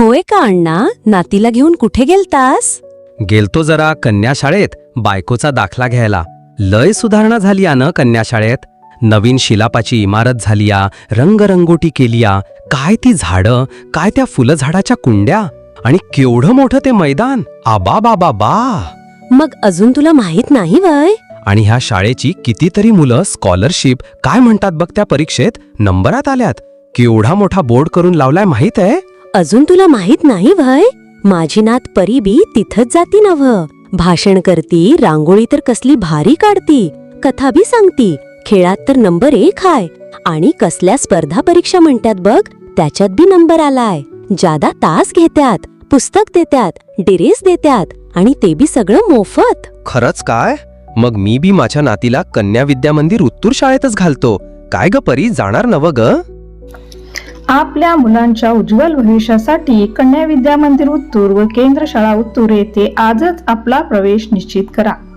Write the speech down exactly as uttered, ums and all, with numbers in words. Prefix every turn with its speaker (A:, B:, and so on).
A: होय का अण्णा, नातीला घेऊन कुठे गेलतास?
B: गेलतो जरा कन्या शाळेत बायकोचा दाखला घ्यायला. लय सुधारणा झाली या न कन्या शाळेत. नवीन शिलापाची इमारत झाली या, रंगरंगोटी केली या. काय ती झाडं, काय त्या फुलझाडाच्या कुंड्या, आणि केवढं मोठं ते मैदान. आबा बाबा बा.
A: मग अजून तुला माहित नाही वय?
B: आणि ह्या शाळेची कितीतरी मुलं स्कॉलरशिप काय म्हणतात बघ त्या परीक्षेत नंबरात आल्यात. केवढा मोठा बोर्ड करून लावलाय माहित आहे?
A: अजून तुला माहित नाही वय? माझी नात परी बी तिथंच जाती नव. भाषण करती, रांगोळी तर कसली भारी काढती, कथा बी सांगती, खेळात तर नंबर एक हाय. आणि कसल्या स्पर्धा परीक्षा म्हणतात बघ, त्याच्यात बी नंबर आलाय. जादा तास घेत्यात, पुस्तक देत्यात, ड्रेस देत्यात, आणि ते बी सगळं मोफत.
B: खरंच काय? मग मी बी माझ्या नातीला कन्या विद्या मंदिर उत्तूर शाळेतच घालतो. काय ग परी, जाणार नव ग?
C: आपल्या मुलांच्या उज्ज्वल भविष्यासाठी कन्या विद्या मंदिर उत्तूर व केंद्र शाळा उत्तूर येथे आजच आपला प्रवेश निश्चित करा.